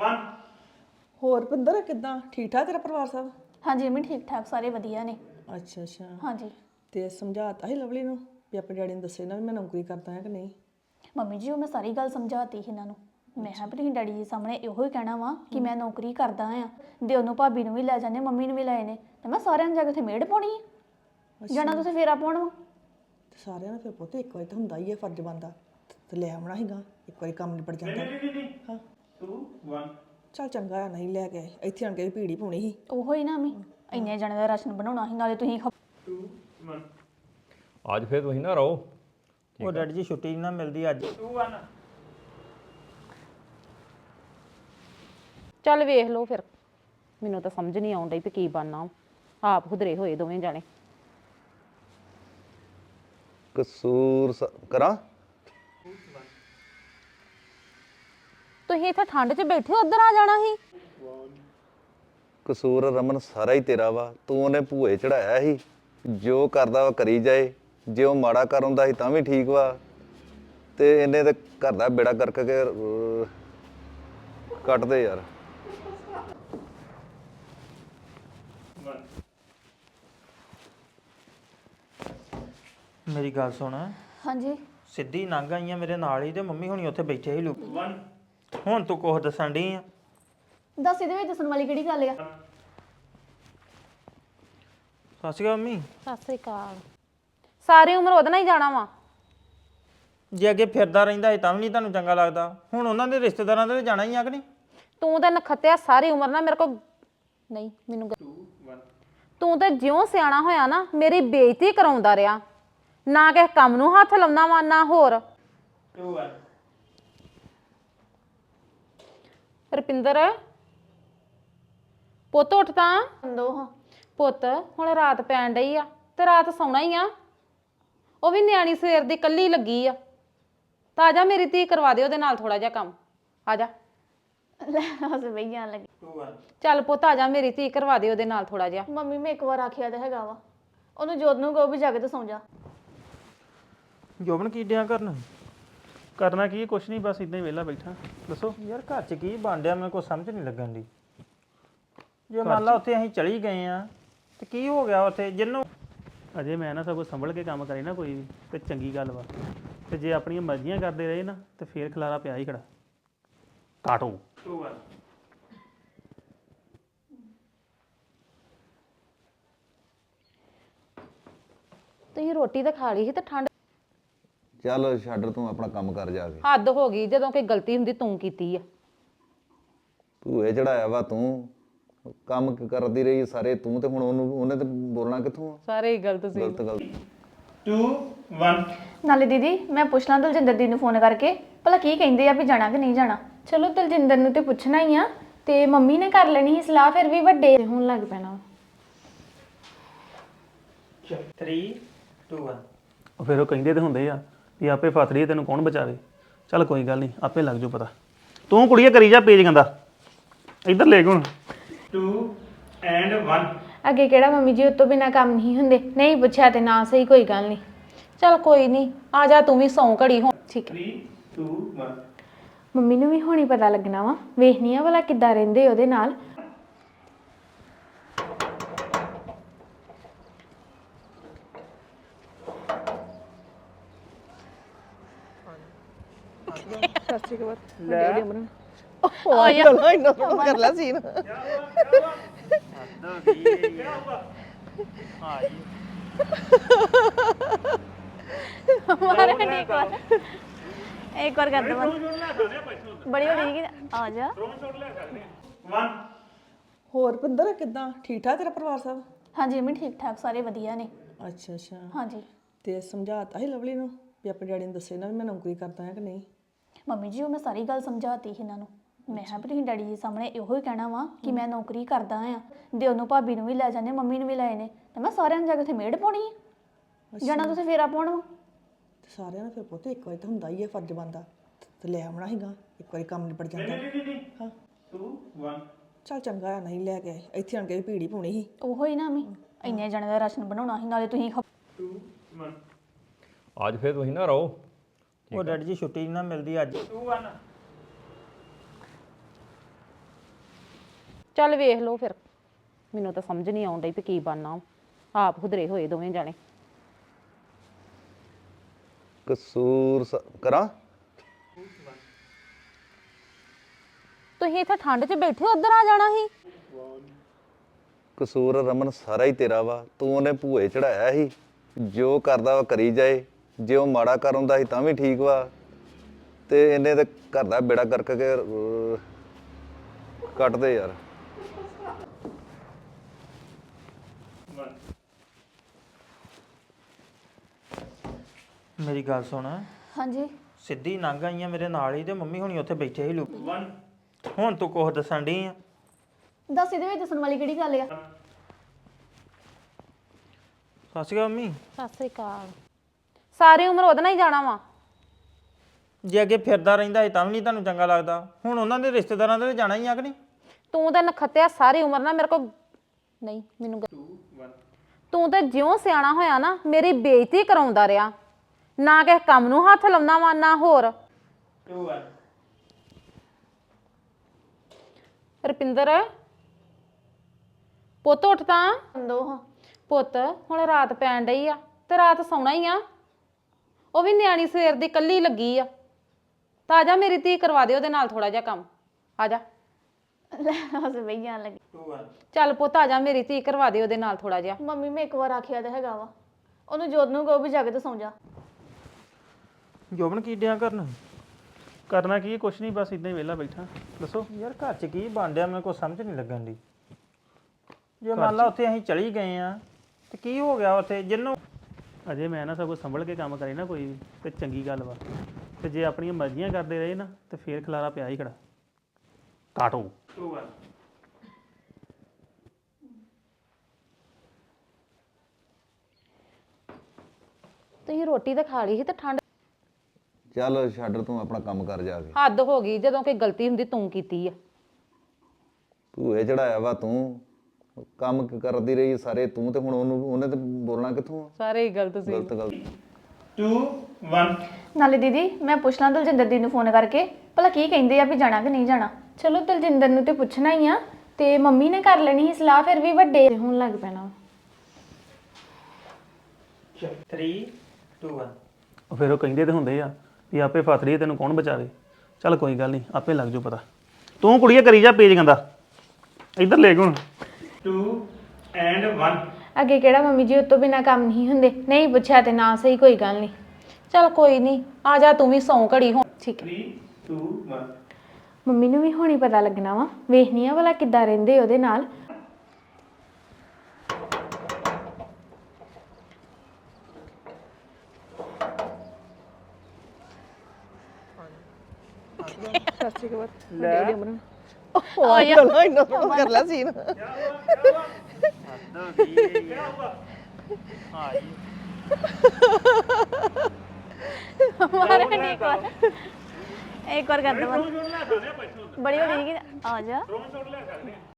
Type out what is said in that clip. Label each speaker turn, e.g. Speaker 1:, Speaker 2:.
Speaker 1: 1
Speaker 2: ਹੋਰ ਪਿੰਦਰ ਕਿੱਦਾਂ ਠੀਕ ਠਾਕ ਤੇਰਾ ਪਰਿਵਾਰ ਸਭ?
Speaker 3: ਹਾਂਜੀ ਮੰਮੀ ਠੀਕ ਠਾਕ ਸਾਰੇ ਵਧੀਆ ਨੇ।
Speaker 2: ਅੱਛਾ ਅੱਛਾ
Speaker 3: ਹਾਂਜੀ
Speaker 2: ਤੇ ਸਮਝਾਤਾ ਸੀ ਲਵਲੀ ਨੂੰ ਵੀ ਆਪਣੇ ਡੈਡੀ ਨੂੰ ਦੱਸੇ ਨਾ ਵੀ ਮੈਂ ਨੌਕਰੀ ਕਰਦਾ ਹਾਂ ਕਿ ਨਹੀਂ?
Speaker 3: ਮੰਮੀ ਜੀ ਉਹ ਮੈਂ ਸਾਰੀ ਗੱਲ ਸਮਝਾਤੀ ਸੀ ਇਹਨਾਂ ਨੂੰ। ਮੈਂ ਕਿਹਾ ਵੀ ਤੁਸੀਂ ਡੈਡੀ ਜੀ ਸਾਹਮਣੇ ਇਹੋ ਹੀ ਕਹਿਣਾ ਵਾ ਕਿ ਮੈਂ ਨੌਕਰੀ ਕਰਦਾ ਆ ਦੇ ਉਹਨੂੰ ਭਾਬੀ ਨੂੰ ਵੀ ਲੈ ਜਾਂਦੇ ਮੰਮੀ ਨੂੰ ਵੀ ਲੈ ਨੇ ਤੇ ਮੈਂ ਸਾਰਿਆਂ ਨੂੰ ਜਾ ਕੇ ਉੱਥੇ ਮੇੜ ਪਾਉਣੀ ਆ ਜਾਣਾ ਤੁਸੀਂ ਫੇਰਾ ਪਾਉਣ ਵਾ।
Speaker 2: ਤੇ ਸਾਰਿਆਂ ਦਾ ਫਿਰ ਪੁੱਤ ਇੱਕ ਵਾਰੀ ਤਾਂ ਹੁੰਦਾ ਹੀ ਹੈ ਫਰਜ਼ ਬਣਦਾ ਤੇ ਲੈ ਆਉਣਾ ਸੀਗਾ ਇੱਕ ਵਾਰੀ ਕੰਮ ਨਿਬੜ ਜਾਂਦਾ। ਹਾਂ
Speaker 1: 2 1
Speaker 2: ਚੱਲ ਚੰਗਾ ਆ ਨਹੀਂ ਲੈ ਕੇ ਆਏ ਇੱਥੇ ਆਣ ਕੇ ਵੀ ਭੀੜੀ ਪਾਉਣੀ ਸੀ।
Speaker 3: ਉਹੋ ਹੀ ਨਾ ਮੈਂ ਇੰਨੇ ਜਣੇ ਦਾ ਰਾਸ਼ਨ ਬਣਾਉਣਾ ਸੀ ਨਾਲੇ ਤੁਸੀਂ
Speaker 1: 2 1
Speaker 4: ਅੱਜ ਫਿਰ ਤੁਸੀਂ ਨਾ ਰਹੋ।
Speaker 1: ਉਹ ਡੈਡੀ ਜੀ ਛੁੱਟੀ ਨਾ ਮਿਲਦੀ ਅੱਜ 2 1
Speaker 5: ਚੱਲ ਵੇਖ ਲਓ ਫਿਰ ਮੈਨੂੰ ਤਾਂ ਸਮਝ ਨਹੀਂ ਆਉਣ ਡਈ ਵੀ ਕੀ ਬਣਨਾ ਆਪ ਖੁਦਰੇ ਹੋਏ ਦੋਵੇਂ ਜਾਣੇ।
Speaker 6: ਕਸੂਰ ਕਰਾਂ
Speaker 5: ਤੁਸੀਂ ਇੱਥੇ ਠੰਡ 'ਚ ਬੈਠੇ ਉੱਧਰ ਆ ਜਾਣਾ ਸੀ।
Speaker 6: ਕਸੂਰ ਰਮਨ ਸਾਰਾ ਹੀ ਤੇਰਾ ਵਾ ਤੂੰ ਉਹਨੇ ਭੂਏ ਚੜਾਇਆ ਸੀ ਜੋ ਕਰਦਾ ਵਾ ਕਰੀ ਜਾਏ ਜੇ ਉਹ ਮਾੜਾ ਕਰ ਹੁੰਦਾ ਸੀ ਤਾਂ ਵੀ ਠੀਕ ਵਾ ਤੇ ਇਹਨੇ ਤੇ ਘਰ ਦਾ ਬੇੜਾ ਕਰਕੇ ਕੱਟ ਦੇ ਯਾਰ।
Speaker 1: ਮੇਰੀ ਗੱਲ ਸੁਣ
Speaker 3: ਹਾਂਜੀ
Speaker 1: ਸਿੱਧੀ ਲੰਘ ਆਈਆਂ ਮੇਰੇ ਨਾਲ ਹੀ ਤੇ ਮੰਮੀ ਹੁਣੀ ਉੱਥੇ ਬੈਠੇ ਸੀ ਲੋਕ ਹੁਣ ਤੂੰ ਕੁਝ ਦੱਸਣ ਡਈ ਆ।
Speaker 3: ਦੱਸ ਇਹਦੇ ਵਿੱਚ ਦੱਸਣ ਵਾਲੀ ਕਿਹੜੀ ਗੱਲ ਆ?
Speaker 1: ਸਤਿ ਸ਼੍ਰੀ ਅਕਾਲ ਮੰਮੀ।
Speaker 5: ਸਤਿ ਸ੍ਰੀ ਅਕਾਲ। ਸਾਰੀ ਉਮਰ ਉਹਦੇ ਨਾਲ ਹੀ ਜਾਣਾ ਵਾ।
Speaker 1: ਜੇ ਅੱਗੇ ਫਿਰਦਾ ਰਹਿੰਦਾ ਸੀ ਤਾਂ ਵੀ ਨਹੀਂ ਤੁਹਾਨੂੰ ਚੰਗਾ ਲੱਗਦਾ ਹੁਣ ਉਹਨਾਂ ਦੇ ਰਿਸ਼ਤੇਦਾਰਾਂ ਦੇ ਜਾਣਾ ਹੀ ਆ ਕਿ ਨਹੀਂ?
Speaker 5: ਤੂੰ ਤਾਂ ਨਖੱਤਿਆ ਸਾਰੀ ਉਮਰ ਨਾ ਮੇਰੇ ਕੋਲ ਨਹੀਂ ਮੈਨੂੰ ਤੂੰ ਤਾਂ ਜਿਉਂ ਸਿਆਣਾ ਹੋਇਆ ਨਾ ਮੇਰੀ ਬੇਇੱਜ਼ਤੀ ਕਰਾਉਂਦਾ ਰਿਹਾ ਨਾ ਕਿਸੇ ਕੰਮ ਨੂੰ ਹੱਥ ਲਾਉਂਦਾ ਵਾ ਨਾ ਹੋਰ।
Speaker 1: 2 1
Speaker 5: ਰੁਪਿੰਦਰ ਪੁੱਤ ਉੱਠ ਤਾਂ
Speaker 3: ਦੋ ਹਾਂ
Speaker 5: ਪੁੱਤ ਹੁਣ ਰਾਤ ਪੈਣ ਡਈ ਆ ਤੇ ਰਾਤ ਸੌਣਾ ਹੀ ਆ। ਉਹ ਵੀ ਨਿਆਣੀ ਸਵੇਰ ਦੀ ਕੱਲੀ ਲੱਗੀ ਆ ਤਾਂ ਆ ਜਾ ਮੇਰੀ ਧੀ ਕਰਵਾ ਦੇ ਉਹਦੇ ਨਾਲ ਥੋੜਾ ਜਿਹਾ ਕੰਮ। ਆ ਜਾ
Speaker 3: ਲੈ ਹੱਸ ਬਈ ਜਾਣ ਲੱਗੀ।
Speaker 1: 2 1
Speaker 5: ਚੱਲ ਪੁੱਤ ਆ ਜਾ ਮੇਰੀ ਧੀ ਕਰਵਾ ਦੇ ਉਹਦੇ ਨਾਲ ਥੋੜਾ ਜਿਹਾ।
Speaker 3: ਮੰਮੀ ਮੈਂ ਇੱਕ ਵਾਰ ਆਖਿਆ ਤਾਂ ਹੈਗਾ ਵਾ ਉਹਨੂੰ ਜੋਤ ਨੂੰ ਕਹੋ ਵੀ ਜਾ ਕੇ ਤੇ ਸੌਂ ਜਾ।
Speaker 1: ਜੋਬਨ ਕੀ ਡਿਆ ਕਰਨ?
Speaker 7: ਕਰਨਾ ਕੀ ਕੁਛ ਨਹੀਂ ਬਸ ਇਦਾਂ ਹੀ ਵਿਹਲਾ ਬੈਠਾ ਦੱਸੋ।
Speaker 1: ਯਾਰ ਘਰ 'ਚ ਕੀ ਬਣ ਡਿਆ ਮੈਨੂੰ ਕੋਈ ਸਮਝ ਨਹੀਂ ਲੱਗਣ ਦੀ। ਜੇ ਮੰਨ ਲਾ ਉੱਥੇ ਅਸੀਂ ਚਲੀ ਗਏ ਆ ਤੇ ਕੀ ਹੋ ਗਿਆ ਉੱਥੇ ਜਿਹਨੂੰ
Speaker 7: ਅਜੇ ਮੈਂ ਨਾ ਸਭ ਕੁਝ ਸੰਭਲ ਕੇ ਕੰਮ ਕਰੇ ਨਾ ਕੋਈ ਵੀ ਤੇ ਚੰਗੀ ਗੱਲ ਵਾ ਤੇ ਜੇ ਆਪਣੀਆਂ ਮਰਜ਼ੀਆਂ ਕਰਦੇ ਰਹੇ ਨਾ ਤੇ ਫੇਰ ਖਲਾਰਾ ਪਿਆ ਹੀ ਖੜਾ ਕਾਟੋ
Speaker 1: 2 1
Speaker 5: ਤੁਸੀਂ ਰੋਟੀ ਤਾਂ ਖਾ ਲਈ ਸੀ ਤੇ ਠੰਡ
Speaker 6: ਚੱਲ ਛੱਡ ਤੂੰ ਆਪਣਾ ਕੰਮ ਕਰ ਜਾ ਕੇ।
Speaker 5: ਹੱਦ ਹੋ ਗਈ ਜਦੋਂ ਕੋਈ ਗਲਤੀ ਹੁੰਦੀ ਤੂੰ ਕੀਤੀ ਆ।
Speaker 6: ਭੂਏ ਚੜਾਇਆ ਵਾ ਤੂੰ ਕੰਮ ਕਰਦੀ ਰਹੀ ਸਾਰੇ ਤੂੰ ਤੇ ਹੁਣ ਉਹਨੇ ਤੇ ਬੋਲਣਾ ਕਿੱਥੋਂ ਆ?
Speaker 5: ਸਾਰੇ ਹੀ ਗਲਤ ਸੀ।
Speaker 6: ਗਲਤ ਗੱਲ
Speaker 1: 2 1
Speaker 3: ਨਾਲੇ ਦੀਦੀ ਮੈਂ ਪੁੱਛ ਲਾਂ ਦਲਜਿੰਦਰ ਦੀ ਨੂੰ ਫੋਨ ਕਰਕੇ ਭਲਾ ਕੀ ਕਹਿੰਦੇ ਆ ਵੀ ਜਾਣਾ ਕਿ ਨਹੀਂ ਜਾਣਾ। ਚਲੋ ਦਲਜਿੰਦਰ ਨੂੰ ਤੇ ਪੁੱਛਣਾ ਹੀ ਆ ਤੇ ਮੰਮੀ ਨੇ ਕਰ ਲੈਣੀ ਸੀ ਸਲਾਹ ਫਿਰ ਵੀ ਵੱਡੇ ਹੋਣ ਲੱਗ ਪੈਣਾ।
Speaker 1: 3 2 1
Speaker 7: ਉਹ ਫਿਰ ਉਹ ਕਹਿੰਦੇ ਤੇ ਹੁੰਦੇ ਆ ਵੀ ਆਪੇ ਫਸੜੀ ਤੈਨੂੰ ਕੌਣ ਬਚਾਵੇ। ਚੱਲ ਕੋਈ ਗੱਲ ਨਹੀਂ ਆਪੇ ਲੱਗ ਜਾਊ ਪਤਾ। ਤੂੰ ਕੁੜੀਏ ਕਰੀ ਜਾ ਪੇਜ ਗੰਦਾ ਇੱਧਰ ਲੈ ਕੇ ਹੁਣ
Speaker 1: 2 and 1
Speaker 3: ਅੱਗੇ ਕਿਹੜਾ ਮੰਮੀ ਜੀ ਉਤੋਂ ਬਿਨਾ ਕੰਮ ਨਹੀਂ ਹੁੰਦੇ ਨਹੀਂ ਪੁੱਛਿਆ ਤੇ ਨਾ ਸਹੀ ਕੋਈ ਗੱਲ ਨਹੀਂ।
Speaker 5: ਚੱਲ ਕੋਈ ਨਹੀਂ ਆ ਜਾ ਤੂੰ ਵੀ ਸੌਂ ਘੜੀ ਹੋ।
Speaker 3: ਠੀਕ ਹੈ
Speaker 1: 3 2 1
Speaker 3: ਮੰਮੀ ਨੂੰ ਵੀ ਹੁਣੀ ਪਤਾ ਲੱਗਣਾ ਵਾ ਵੇਖਣੀ ਆ ਭਲਾ ਕਿੱਦਾਂ ਰਹਿੰਦੇ ਉਹਦੇ ਨਾਲ।
Speaker 2: ਕਰ ਲੈ ਸੀਨ।
Speaker 3: ਮਾਰੇ ਨਹੀਂ ਇੱਕ ਵਾਰ ਕਰ ਦੇ ਬੜੀ ਹੋ ਗਈ ਆ ਜਾ।
Speaker 1: 1
Speaker 2: ਹੋਰ ਪਿੰਦਰ ਕਿੱਦਾਂ ਠੀਕ ਠਾਕ ਤੇਰਾ ਪਰਿਵਾਰ ਸਭ?
Speaker 3: ਹਾਂਜੀ ਮੰਮੀ ਠੀਕ ਠਾਕ ਸਾਰੇ ਵਧੀਆ ਨੇ।
Speaker 2: ਅੱਛਾ ਅੱਛਾ
Speaker 3: ਹਾਂਜੀ
Speaker 2: ਤੇ ਸਮਝਾਤਾ ਸੀ ਲਵਲੀ ਨੂੰ ਵੀ ਆਪਣੇ ਡੈਡੀ ਨੂੰ ਦੱਸੇ ਨਾ ਵੀ ਮੈਂ ਨੌਕਰੀ ਕਰਦਾ ਹਾਂ ਕਿ ਨਹੀਂ?
Speaker 3: ਮੰਮੀ ਜੀ ਉਹ ਮੈਂ ਸਾਰੀ ਗੱਲ ਸਮਝਾਤੀ ਸੀ ਇਹਨਾਂ ਨੂੰ। ਮੈਂ ਕਿਹਾ ਵੀ ਤੁਸੀਂ ਡੈਡੀ ਜੀ ਸਾਹਮਣੇ ਇਹੋ ਹੀ ਕਹਿਣਾ ਵਾ ਕਿ ਮੈਂ ਨੌਕਰੀ ਕਰਦਾ ਆ ਦੇ ਉਹਨੂੰ ਭਾਬੀ ਨੂੰ ਵੀ ਲੈ ਜਾਂਦੇ ਮੰਮੀ ਨੂੰ ਵੀ ਲੈ ਨੇ ਤੇ ਮੈਂ ਸਾਰਿਆਂ ਨੂੰ ਜਾ ਕੇ ਉੱਥੇ ਮੇੜ ਪਾਉਣੀ ਆ ਜਾਣਾ ਤੁਸੀਂ ਫੇਰਾ ਪਾਉਣ ਵਾ।
Speaker 2: ਤੇ ਸਾਰਿਆਂ ਦਾ ਫਿਰ ਪੁੱਤ ਇੱਕ ਵਾਰੀ ਤਾਂ ਹੁੰਦਾ ਹੀ ਹੈ ਫਰਜ਼ ਬਣਦਾ ਤੇ ਲੈ ਆਉਣਾ ਸੀਗਾ ਇੱਕ ਵਾਰੀ ਕੰਮ ਨਿਬੜ ਜਾਂਦਾ। ਹਾਂ
Speaker 1: 2 1
Speaker 2: ਚੱਲ ਚੰਗਾ ਆ ਨਹੀਂ ਲੈ ਕੇ ਆਏ ਇੱਥੇ ਆਣ ਕੇ ਵੀ ਭੀੜੀ ਪਾਉਣੀ ਸੀ।
Speaker 3: ਉਹੋ ਹੀ ਨਾ ਮੈਂ ਇੰਨੇ ਜਣੇ ਦਾ ਰਾਸ਼ਨ ਬਣਾਉਣਾ ਸੀ ਨਾਲੇ ਤੁਸੀਂ
Speaker 1: 2 1
Speaker 4: ਅੱਜ ਫਿਰ ਤੁਸੀਂ ਨਾ ਰਹੋ।
Speaker 1: ਉਹ ਡੈਡੀ ਜੀ ਛੁੱਟੀ ਨਾ ਮਿਲਦੀ ਅੱਜ 2 1
Speaker 5: ਚੱਲ ਵੇਖ ਲਓ ਫਿਰ ਮੈਨੂੰ ਤਾਂ ਸਮਝ ਨਹੀਂ ਆਉਣ ਡਈ ਵੀ ਕੀ ਬਣਨਾ ਆਪ ਖੁਦਰੇ ਹੋਏ ਦੋਵੇਂ ਜਾਣੇ
Speaker 6: ਕਸੂਰ ਕਰਾਂ
Speaker 5: ਤੁਸੀਂ ਇੱਥੇ ਠੰਡ 'ਚ ਬੈਠੇ ਉੱਧਰ ਆ ਜਾਣਾ ਸੀ
Speaker 6: ਕਸੂਰ ਰਮਨ ਸਾਰਾ ਹੀ ਤੇਰਾ ਵਾ ਤੂੰ ਉਹਨੇ ਭੂਏ ਚੜਾਇਆ ਸੀ ਜੋ ਕਰਦਾ ਵਾ ਕਰੀ ਜਾਏ ਜੇ ਉਹ ਮਾੜਾ ਕਰ ਹੁੰਦਾ ਸੀ ਤਾਂ ਵੀ ਠੀਕ ਵਾ ਤੇ ਇਹਨੇ ਤੇ ਘਰ ਦਾ ਬੇੜਾ ਕਰਕੇ ਕੱਟ ਦੇ ਯਾਰ
Speaker 1: ਮੇਰੀ ਗੱਲ ਸੁਣ
Speaker 3: ਹਾਂਜੀ
Speaker 1: ਸਿੱਧੀ ਲੰਘ ਆਈਆਂ ਮੇਰੇ ਨਾਲ ਹੀ ਤੇ ਮੰਮੀ ਹੁਣੀ ਉੱਥੇ ਬੈਠੇ ਸੀ ਲੋਕ ਹੁਣ ਤੂੰ ਕੁਛ ਦੱਸਣ ਡਈ ਆ
Speaker 3: ਦੱਸ ਇਹਦੇ ਵਿੱਚ ਦੱਸਣ ਵਾਲੀ ਕਿਹੜੀ ਗੱਲ ਆ
Speaker 1: ਸਤਿ ਸ਼੍ਰੀ ਅਕਾਲ ਮੰਮੀ
Speaker 5: ਸਤਿ ਸ੍ਰੀ ਅਕਾਲ ਸਾਰੀ ਉਮਰ ਉਹਦੇ ਨਾਲ ਹੀ ਜਾਣਾ ਵਾ
Speaker 1: ਜੇ ਅੱਗੇ ਫਿਰਦਾ ਰਹਿੰਦਾ ਸੀ ਤਾਂ ਵੀ ਨਹੀਂ ਤੁਹਾਨੂੰ ਚੰਗਾ ਲੱਗਦਾ ਹੁਣ ਉਹਨਾਂ ਦੇ ਰਿਸ਼ਤੇਦਾਰਾਂ ਦੇ ਜਾਣਾ ਹੀ ਆ ਕਿ ਨਹੀਂ
Speaker 5: ਤੂੰ ਤਾਂ ਨਖੱਤਿਆ ਸਾਰੀ ਉਮਰ ਨਾ ਮੇਰੇ ਕੋ ਨਹੀਂ ਮੈਨੂੰ ਤੂੰ ਤਾਂ ਜਿਉਂ ਸਿਆਣਾ ਹੋਇਆ ਨਾ ਮੇਰੀ ਬੇਇੱਜ਼ਤੀ ਕਰਾਉਂਦਾ ਰਿਹਾ ਨਾ ਕਿਸੇ ਕੰਮ ਨੂੰ ਹੱਥ ਲਾਉਣਾ ਵਾ ਨਾ ਹੋਰ
Speaker 1: 2 1
Speaker 5: ਰੁਪਿੰਦਰ ਪੁੱਤ ਉੱਠ ਤਾਂ
Speaker 3: ਦੋ ਹਾਂ
Speaker 5: ਪੁੱਤ ਹੁਣ ਰਾਤ ਪੈਣ ਡਈ ਆ ਤੇ ਰਾਤ ਸੌਣਾ ਹੀ ਆ ਉਹ ਵੀ ਨਿਆਣੀ ਸਵੇਰ ਦੀ ਕੱਲੀ ਲੱਗੀ ਆ ਤਾਂ ਆ ਜਾ ਮੇਰੀ ਧੀ ਕਰਵਾ ਦੇ ਉਹਦੇ ਨਾਲ ਥੋੜਾ ਜਿਹਾ ਕੰਮ ਆ ਜਾ
Speaker 3: ਹੱਸ ਬਈ ਜਾਣ ਲੱਗੀ
Speaker 1: 2 1
Speaker 5: ਚੱਲ ਪੁੱਤ ਆ ਜਾ ਮੇਰੀ ਧੀ ਕਰਵਾ ਦੇ ਉਹਦੇ ਨਾਲ ਥੋੜਾ ਜਿਹਾ
Speaker 3: ਮੰਮੀ ਮੈਂ ਇੱਕ ਵਾਰ ਆਖਿਆ ਤਾਂ ਹੈਗਾ ਵਾ ਉਹਨੂੰ ਜੋਤ ਨੂੰ ਕਹੋ ਵੀ ਜਾ ਕੇ ਤੇ ਸੌਂ ਜਾ
Speaker 1: ਜੋਬਨ ਕੀ ਡਿਆ ਕਰਨ
Speaker 7: ਕਰਨਾ ਕੀ ਕੁਛ ਨਹੀਂ ਬਸ ਇਦਾਂ ਹੀ ਵਿਹਲਾ ਬੈਠਾ ਦੱਸੋ
Speaker 1: ਯਾਰ ਘਰ 'ਚ ਕੀ ਬਣ ਡਿਆ ਮੈਨੂੰ ਕੋਈ ਸਮਝ ਨਹੀਂ ਲੱਗਣ ਦੀ ਜੇ ਮੰਨ ਲਾ ਉੱਥੇ ਅਸੀਂ ਚਲੀ ਗਏ ਆ ਤੇ ਕੀ ਹੋ ਗਿਆ ਉੱਥੇ ਜਿੰਨੂੰ
Speaker 7: ਅਜੇ ਮੈਂ ਨਾ ਸਭ ਕੁਝ ਸੰਭਲ ਕੇ ਕੰਮ ਕਰੇ ਨਾ ਕੋਈ ਵੀ ਤੇ ਚੰਗੀ ਗੱਲ ਵਾ ਤੇ ਜੇ ਆਪਣੀਆਂ ਮਰਜ਼ੀਆਂ ਕਰਦੇ ਰਹੇ ਨਾ ਤੇ ਫੇਰ ਖਲਾਰਾ ਪਿਆ ਹੀ ਖੜਾ ਕਾਟੋ
Speaker 1: 2 1
Speaker 5: ਤੁਸੀਂ ਰੋਟੀ ਤਾਂ ਖਾ ਲਈ ਸੀ ਤੇ ਠੰਡ
Speaker 6: ਚੱਲ ਛੱਡ ਤੂੰ ਆਪਣਾ ਕੰਮ ਕਰ ਜਾ ਕੇ
Speaker 5: ਹੱਦ ਹੋ ਗਈ ਜਦੋਂ ਕੋਈ ਗਲਤੀ ਹੁੰਦੀ ਤੂੰ ਕੀਤੀ ਆ
Speaker 6: ਭੂਏ ਚੜਾਇਆ ਵਾ ਤੂੰ ਕੰਮ ਕਰਦੀ ਰਹੀ ਸਾਰੇ ਤੂੰ ਤੇ ਹੁਣ ਉਹਨੇ ਤੇ ਬੋਲਣਾ ਕਿੱਥੋਂ ਆ
Speaker 5: ਸਾਰੇ ਹੀ ਗਲਤ ਸੀ
Speaker 6: ਗਲਤ ਗਲਤ
Speaker 1: 2 1
Speaker 3: ਨਾਲੇ ਦੀਦੀ ਮੈਂ ਪੁੱਛ ਲਾਂ ਦਲਜਿੰਦਰ ਦੀ ਨੂੰ ਫੋਨ ਕਰਕੇ ਭਲਾ ਕੀ ਕਹਿੰਦੇ ਆ ਵੀ ਜਾਣਾ ਕਿ ਨਹੀਂ ਜਾਣਾ ਚਲੋ ਦਲਜਿੰਦਰ ਨੂੰ ਤੇ ਪੁੱਛਣਾ ਹੀ ਆ ਤੇ ਮੰਮੀ ਨੇ ਕਰ ਲੈਣੀ ਸੀ ਸਲਾਹ ਫਿਰ ਵੀ ਵੱਡੇ ਹੋਣ ਲੱਗ ਪੈਣਾ
Speaker 1: 3 2 1
Speaker 7: ਉਹ ਫਿਰ ਉਹ ਕਹਿੰਦੇ ਤੇ ਹੁੰਦੇ ਆ ਵੀ ਆਪੇ ਫਸ ਰਹੀ ਤੈਨੂੰ ਕੌਣ ਬਚਾਵੇ ਚੱਲ ਕੋਈ ਗੱਲ ਨਹੀਂ ਆਪੇ ਲੱਗ ਜਾਊ ਪਤਾ ਤੂੰ ਕੁੜੀਏ ਕਰੀ ਜਾ ਪੇਜ ਗੰਦਾ ਇੱਧਰ ਲੈ ਹੁਣ
Speaker 1: 2 ਐਂਡ 1
Speaker 3: ਅੱਗੇ ਕਿਹੜਾ ਮੰਮੀ ਜੀ ਉਹ ਤੋਂ ਬਿਨਾ ਕੰਮ ਨਹੀਂ ਹੁੰਦੇ ਨਹੀਂ ਪੁੱਛਿਆ ਤੇ ਨਾ ਸਹੀ ਕੋਈ ਗੱਲ ਨਹੀਂ
Speaker 5: ਚੱਲ ਕੋਈ ਨਹੀਂ ਆ ਜਾ ਤੂੰ ਵੀ ਸੌਂ ਘੜੀ ਹੋ
Speaker 3: ਠੀਕ ਹੈ
Speaker 1: 3 2 1
Speaker 3: ਮੰਮੀ ਨੂੰ ਵੀ ਹੁਣੀ ਪਤਾ ਲੱਗਣਾ ਵਾ ਵੇਖਣੀ ਆ ਭਲਾ ਕਿੱਦਾਂ ਰਹਿੰਦੇ ਉਹਦੇ ਨਾਲ
Speaker 2: ਕਰ ਲੈ ਸੀਨ
Speaker 3: ਮਾਰੇ ਨਹੀਂ ਇੱਕ ਵਾਰ ਕਰ ਦੇ ਬੜੀ ਬੜੀ ਆ ਜਾ